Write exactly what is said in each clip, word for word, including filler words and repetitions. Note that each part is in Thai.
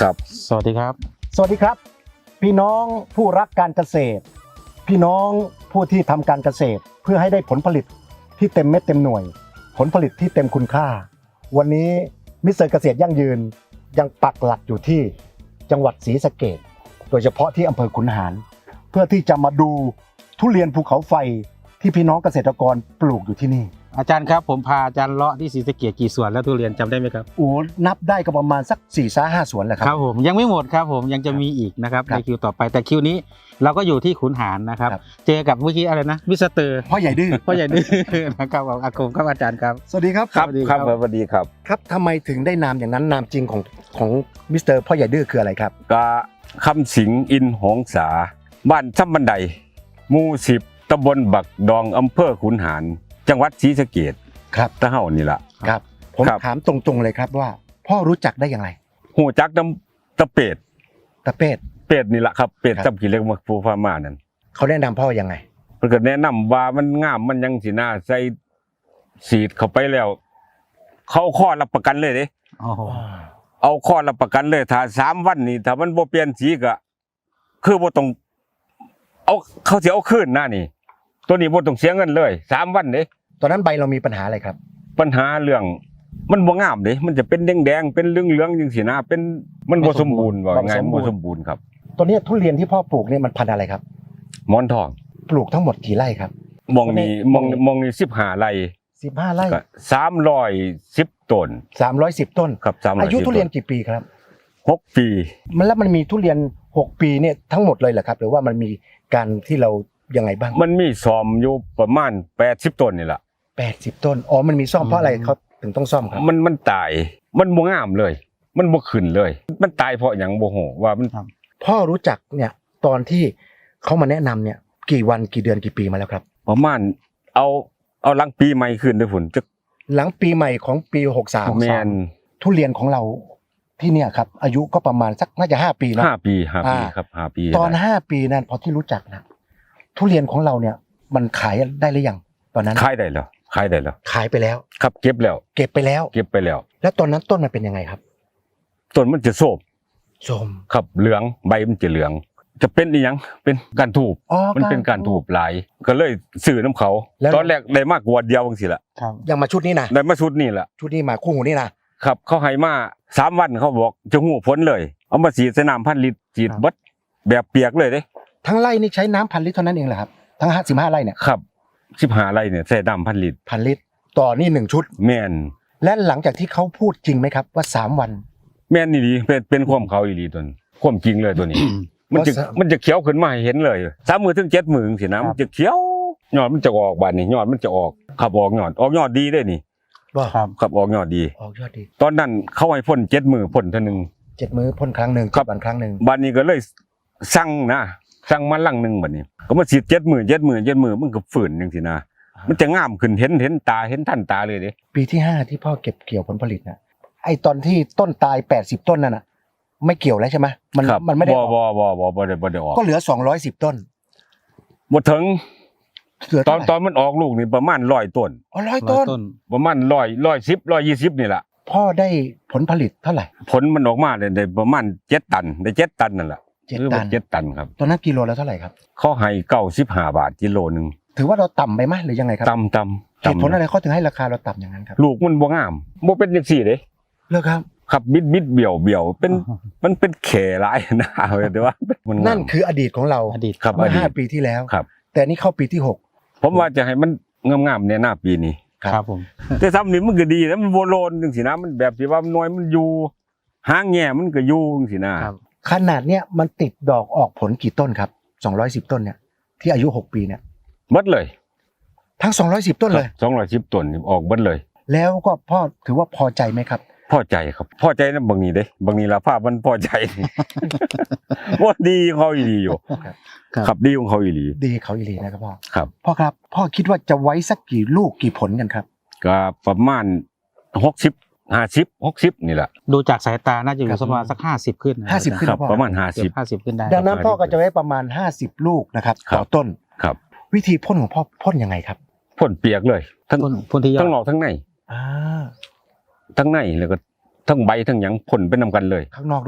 ครับสวัสดีครับสวัสดีครับพี่น้องผู้รักการเกษตรพี่น้องผู้ที่ทำการเกษตรเพื่อให้ได้ผลผลิตที่เต็มเม็ดเต็มหน่วยผลผลิตที่เต็มคุณค่าวันนี้มิสเตอร์เกษตรยั่งยืนยังปักหลักอยู่ที่จังหวัดศรีสะเกษโดยเฉพาะที่อำเภอขุนหารเพื่อที่จะมาดูทุเรียนภูเขาไฟที่พี่น้องเกษตรกรปลูกอยู่ที่นี่อาจารย์ครับผมพาอาจารย์เลาะที่ศรีสะเกษกี่สวนแล้วทุเรียนจำได้ไหมครับโอ้นับได้ก็ประมาณสักสี่ซ้าห้าสวนแหละครับครับผมยังไม่หมดครับผมยังจะมีอีกนะครับในคิวต่อไปแต่คิวนี้เราก็อยู่ที่ขุนหารนะครับเจอกับเมื่อกี้อะไรนะมิสเตอร์พ่อใหญ่ดื้อพ่อใหญ่ดื้อนะครับอากงครับอาจารย์ครับสวัสดีครับครับครับสวัสดีครับครับทำไมถึงได้นามอย่างนั้นนามจริงของของมิสเตอร์พ่อใหญ่ดื้อคืออะไรครับก็คำสิงอินหงสาบ้านซ้ำบันไดหมู่สิบตำบลบักดองอำเภอขุนหารจังหวัดศรีสะเกษครับตะเฮานี่ล่ะครับผมถามตรงๆเลยครับว่าพ่อรู้จักได้อย่างไรหูจักน้ำตะเป็ดตะเป็ดเป็ดนี่ล่ะครับเป็ดจำกี่เล็กมาผู้พม่านั่นเขาแนะนำพ่อยังไงเพิ่นก็แนะนำว่ามันงามมันยังสิน่าใส่สีดเข้าไปแล้วเขาข้อรับประกันเลยเด้เอาข้อรับประกันเลยถ้าสามวันนี่ถ้ามันบ่เปลี่ยนสีก็คือบ่ต้องเอาเขาสิเอาคืนหน้านี่ตัวนี้บ่ต้องเสียเงินเลยสามวันเด้ตอนนั้นใบเรามีปัญหาอะไรครับปัญหาเรื่องมันบ่งามเด้มันจะเป็นแดงๆเป็นเหลืองๆจังซี่นะเป็นมันบ่สมบูรณ์ว่าไงบ่สมบูรณ์ครับตัวนี้ทุเรียนที่พ่อปลูกเนี่ยมันพันธุ์อะไรครับหมอนทองปลูกทั้งหมดกี่ไร่ครับมองนี่มองมองนี่สิบห้าไร่สิบห้าไร่ก็สามร้อยสิบต้นสามร้อยสิบต้นครับสามร้อยสิบอายุทุเรียนกี่ปีครับหกปีมันแล้วมันมีทุเรียนหกปีเนี่ยทั้งหมดเลยเหรอครับหรือว่ามันมีการที่เรายังไงบ้างมันมีซ่อมอยู่ประมาณแปดสิบต้นนี่ล่ะแปดสิบต้นอ๋อมันมีซ่อมเพราะอะไรเขาถึงต้องซ่อมครับมันมันตายมันบ่งามเลยมันบ่ขึ้นเลยมันตายเพราะหยังบ่ฮู้ว่ามันพ่อรู้จักเนี่ยตอนที่เขามาแนะนำเนี่ยกี่วันกี่เดือนกี่ปีมาแล้วครับประมาณเอาเอาหลังปีใหม่ขึ้นด้วยฝุ่นจะหลังปีใหม่ของปีหกสามแม่นทุเรียนของเราที่เนี่ยครับอายุก็ประมาณสักน่าจะห้าปีเนาะห้าปีห้าปีครับห้าปีตอนห้าปีนั้นพอที่รู้จักนะทุเรียนของเราเนี่ยมันขายได้หรือยังตอนนั้นขายได้แล้วขายได้แล้วขายไปแล้วครับเก็บแล้วเก็บไปแล้วเก็บไปแล้วแล้วตอนนั้นต้นมันเป็นยังไงครับต้นมันจะโทรมโทรมครับเหลืองใบมันจะเหลืองจะเป็นอีหยังเป็นการถูบมันเป็นการถูบหลายก็เลยซื้อน้ำเขาตอนแรกได้มากกว่าเดียวจังซี่ล่ะครับยังมาชุดนี้นะได้มาชุดนี้ล่ะชุดนี้มาคู่หูนี่นะครับเขาให้มาสามวันเขาบอกจะหู้ผลเลยเอามาฉีดใส่น้ำพันลิตรฉีดเบิดแบบเปียกเลยเด้ทั้งไร่นี่ใช้น้ำพันลิตรเท่านั้นเองเหรอครับทั้งสิบห้าไร่เนี่ยครับสิบห้าไร่เนี่ยใส่น้ำพันลิตรพันลิตรต่อนี่หนึ่งชุดแม่นและหลังจากที่เขาพูดจริงไหมครับว่าสามวันแม่นนี่ดีเป็นเป็นความเขาอีหลีตัวนี้ความจริงเลยตัวนี้มันจะมันจะเขียวขึ้นมาให้เห็นเลยสามมือถึงเจ็ดมือสินะมันจะเขียวยอดมันจะออกบานนี่ยอดมันจะออกขับออกยอดออกยอดดีได้นี่ครับขับออกยอดดีออกยอดดีตอนนั้นเขาให้พ่นเจ็ดมือพ่นเท่านึงเจ็ดมือพ่นครั้งหนึ่งครับวันครั้งหนึ่งบานนี้ก็เลยสั่งนะสั่งมาลังหนึ่งบัดนี้ก็มาฉีดเจ็ดมือเจ็ดมือเจ็ดมือมันก็ฝืนจังสินะมันจะงามขึ้นเห็นเห็นตาเห็นท่านตาเลยเด้ปีที่ห้าที่พ่อเก็บเกี่ยวผลผลิตนะไอตอนที่ต้นตายแปดสิบต้นนั่นน่ะไม่เกี่ยวแล้วใช่ไหมมันมันไม่ได้บ่บ่บ่บ่บ่ได้บ่ได้ออกก็เหลือสองร้อยสิบต้นบ่ถึงตอนตอนมันออกลูกนี่ประมาณร้อยต้นอ๋อร้อยต้นประมาณร้อย ร้อยสิบ ร้อยยี่สิบนี่แหละพ่อได้ผลผลิตเท่าไหร่ผลมันออกมาได้ประมาณเจ็ดตันได้เจ็ดตันนั่นแหละเจ็ดตันเจ็ดตันครับตอนนั้นกิโลแล้วเท่าไหร่ครับเขาให้เก้าสิบห้าบาทกิโลนึงถือว่าเราต่ำไปไหมหรือยังไงครับต่ำต่ำเหตุผลอะไรเขาถึงให้ราคาเราต่ำอย่างนั้นครับลูกมันบ่งามบ่เป็นจังซี่เด้เลิกครับครับบิดบิดเบี่ยวเบี่ยวเป็นมันเป็นแข่หลายนะแต่ว่านั่นคืออดีตของเราอดีตครับเมื่อห้าปีที่แล้วครับแต่นี่เข้าปีที่หกผมว่าจะให้มันงามๆเนี่ยหน้าปีนี้ครับผมแต่ซ้ำนี่มันก็ดีแล้วมันโบโลนจังซี่นะมันแบบที่ว่าน้อยมันอยู่หางแง่มันก็อยู่จังซี่นะขนาดเนี้ยมันติดดอกออกผลกี่ต้นครับสองร้อยสิบต้นเนี่ยที่อายุหกปีเนี่ยหมดเลยทั้งสองร้อยสิบต้นเลยสองร้อยสิบต้นออกหมดเลยแล้วก็พ่อถือว่าพอใจไหมครับพอใจครับพอใจนะบางนี้เด้บางนี้ละภาพมันพอใจว่าดีเขาอีหลีอยู่ครับดีของเขาอีหลีดีเขาอีหลีนะครับพ่อครับพ่อครับพ่อคิดว่าจะไว้สักกี่ลูกกี่ผลกันครับก็ประมาณหกสิบห้าสิบหกสิบนี่แหละดูจากสายตาน่าจะอยู่ประมาณสักห้าสิบขึ้นห้าสิบขึ้นประมาณห้าสิบห้าสิบขึ้นได้ดังนั้นพ่อก็จะไว้ประมาณห้าสิบลูกนะครับต่อต้นครับวิธีพ่นของพ่อพ่นยังไงครับพ่นเปียกเลยทั้งพ่นที่ยอดทั้งนอกทั้งในอ่าทั้งในแล้วก็ทั้งใบทั้งหยังพ่นเป็นนำกันเลยข้างนอกด้วย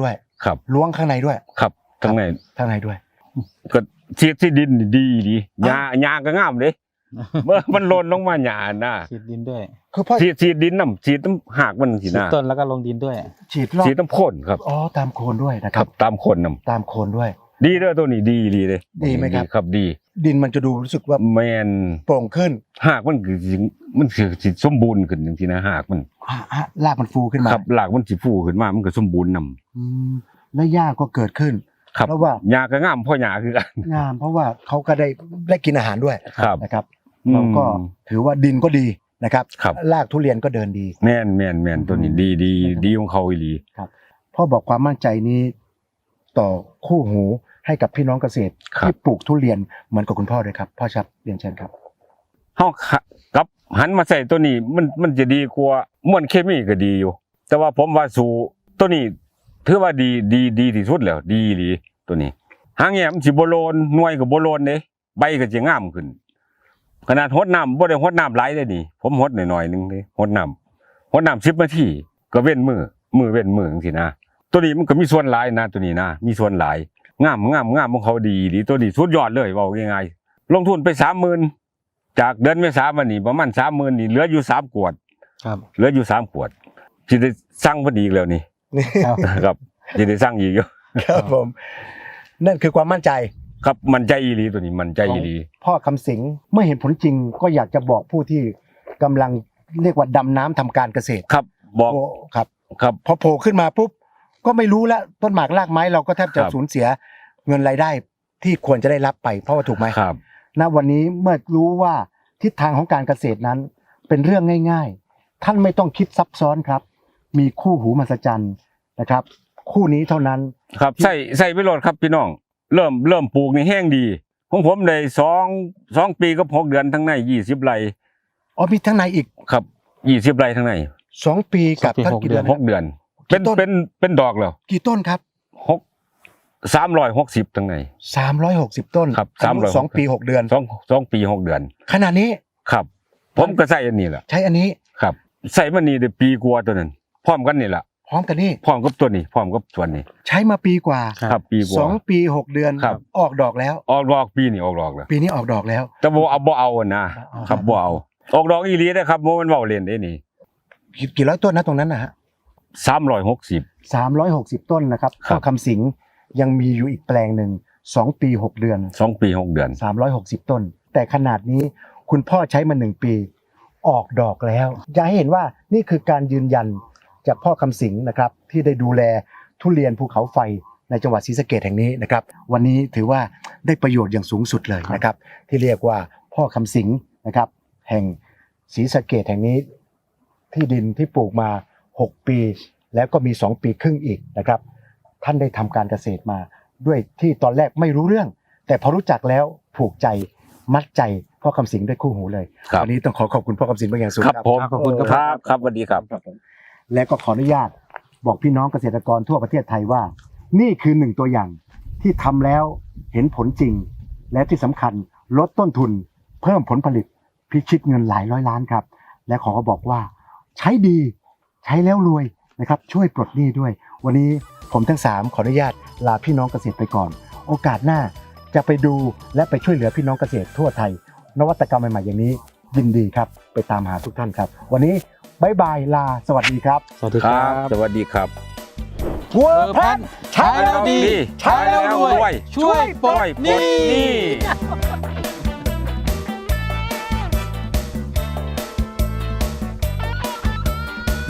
ครับล้วงข้างในด้วยครับทั้งในข้างในด้วยก็ฉีดที่ดินนี่ดีดีหญ้าหญ้าก็งามเด้เมื่อมันหล่นลงมาหญ้าน่ะฉีดดินด้วยคือพ่อฉีดฉีดดินน้ำฉีดน้ำหากมันสิฉีดนะต้นแล้วก็ลงดินด้วยฉีดรอบฉีดน้ำพ่นครับอ๋อตามโคนด้วยนะคครัรับ บตามคนน้ตามโคนด้วยำดีเด้อตัวนี้ดีดีเลยดีไหมครับครับดีดินมันจะดูรู้สึกว่าแมนโปร่งขึ้นหากมันคือสิมันคือสิสมบูรณ์ขึ้นจังซี่นะหากมันอ่ะอ่ะรากมันฟูขึ้นมาครับหลากมันสิฟูขึ้นมามันก็สมบูรณ์นำอืมและหญ้าก็เกิดขึ้นครับเพราะว่าหญ้าก็งามเพราะหญ้าคือกันงาม เพราะว่าเขาก็ได้ได้กินอาหารด้วยครับนะครับอืมเราก็ถือว่าดินก็ดีนะครับครับรากทุเรียนก็เดินดีแม่นแม่นแม่นตัวนี้ดีดีดีของเขาอีหลีพ่อบอกความมั่นใจนี้ต่อคู่หูให้กับพี่น้องเกษตรครับที่ปลูกทุเรียนเหมือนกับคุณพ่อเลยครับพ่อชับเรียนเชิญครับเฮากับหันมาใส่ตัวนี้มันมันจะดีกว่าม่วนเคมีก็ดีอยู่ แต่ว่าผมว่าสู่ตัวนี้ถือว่าดีดีดีที่สุดแล้วดีอีหลีตัวนี้หางแหมสิบ่โลนหน่วยก็บ่โลนเด้ใบก็สิงามขึ้น ขนาดรดน้ำบ่ได้รดน้ำหลายเด้นี่ผมรดหน่อยๆนึงเด้รดน้ำรดน้ำสิบนาทีก็เว้นมือมือเว้นมือจังซี่นะตัวนี้มันก็มีส่วนหลายนะตัวนี้นะมีส่วนหลายงามงามงามของเขาดีดีตัวนี้สุดยอดเลยเว้าง่ายๆลงทุนไป สามหมื่น จากเดือนเมษายนมานี่ประมาณ สามหมื่น นี่เหลืออยู่สามขวดครับเหลืออยู่สามขวดสิได้สั่งพอดีอีกแล้วนี่ครับครับสิได้สั่งอีกอยู่ครับผม นั่นคือความมั่นใจครับมันใจอีหลีตัวนี้มันใจอีหลีพ่อคำสิงเมื่อเห็นผลจริงก็อยากจะบอกผู้ที่กำลังเรียกว่าดำน้ำทำการเกษตรครับบอกโอ้ครับครับพอโผล่ขึ้นมาปุ๊บก็ไม่รู้แล้วต้นหมากรากไม้เราก็แทบจะครับสูญเสียเงินรายได้ที่ควรจะได้รับไปเพราะว่าถูกไหมครับณวันนี้เมื่อรู้ว่าทิศทางของการเกษตรนั้น เป็นเรื่องง่ายๆ ท่านไม่ต้องคิดซับซ้อนครับ มีคู่หูมหัศจรรย์นะครับ คู่นี้เท่านั้นครับใส่ใส่ไปโหลดครับพี่น้องเริ่มเริ่มปลูกนี่แห้งดีของผมได้สองสองปีกับหกเดือนทั้งในยี่สิบไร่อ๋อมีทั้งในอีกครับยี่สิบไร่ทั้งในสองปีกับสองปีทั้งหกกี่เดืเดืออน นหกเดือน เป็นกี่ต้นเป็นเป็นดอกแล้วกี่ต้นครับหกสามร้อยหกสิบทั้งในสามร้อยหกสิบต้นครับอายุสามร้อยสองปีหกเดือนสองสองปีหกเดือนขณะนี้ครับ ผมก็ใส่อันนี้แหละใช้อันนี้ครับ ใส่มันนี่ได้ปีกว่าตัวนั้นพร้อมกันนี่แหละพร้อมกันนี่พร้อมกับตัวนี้พร้อมกับส่วนนี้ใช้มาปีกว่าครับครับปีกสว่าองปีหกเดือนครับออกดอกแล้วออกดอกปีนี่ออกดอกแล้วปีนี้ออกดอกแล้วแต่บ่เอาบ่เอาอะนะอ๋อครับบ่เอาออกดอกอีหลีได้อครับบ่แมันเว้าเล่นเด้นี่กี่กี่ร้อยต้นนะตรงนั้นนะฮะสามร้อยหกสิบสามร้อยหกสิบต้นนะครับครับพ่อคำสิงยังมีอยู่อีกแปลงหนึ่งสองปีหกเดือนสองปีหกเดือนสามร้อยหกสิบต้น แต่ขนาดนี้คุณพ่อใช้มาหนึ่งปี ออกดอกแล้วจะให้เห็นว่านี่คือการยืนยันจากพ่อคำสิงนะครับที่ได้ดูแลทุเรียนภูเขาไฟในจังหวัดศรีสะเกษแห่งนี้นะครับวันนี้ถือว่าได้ประโยชน์อย่างสูงสุดเลยนะครับที่เรียกว่าพ่อคำสิงนะครับแห่งศรีสะเกษแห่งนี้ที่ดินที่ปลูกมาหกปี แล้วก็มีสองปีครึ่งอีกนะครับท่านได้ทำการเกษตรมาด้วยที่ตอนแรกไม่รู้เรื่อง แต่พอรู้จักแล้วผูกใจมัดใจพ่อคำสิงด้วยคู่หูเลยครับวันนี้ต้องขอขอบคุณพ่อคำสิงเป็นอย่างสูงครับผมขอบคุณครับครับครับสวัสดีครับครับผมและก็ขออนุญาตบอกพี่น้องเกษตรกรทั่วประเทศไทยว่า นี่คือหนึ่งตัวอย่างที่ทำแล้วเห็นผลจริง และที่สำคัญลดต้นทุน เพิ่มผลผลิตพิชิตเงินหลายร้อยล้านครับ และขอบอกว่าใช้ดีใช้แล้วรวยนะครับช่วยปลดหนี้ด้วย วันนี้ผมทั้งสามขออนุญาตลาพี่น้องเกษตรไปก่อน โอกาสหน้าจะไปดูและไปช่วยเหลือพี่น้องเกษตรทั่วไทย นวัตกรรมใหม่ๆอย่างนี้ยินดีครับไปตามหาทุกท่านครับ วันนี้บายบายลาสวัสดีครับสวัสดีคครัรับบ สวัสดีครับเวอร์แพนใช้แล้วดีใช้แล้วรวยช่วยปลดหนี้หนี้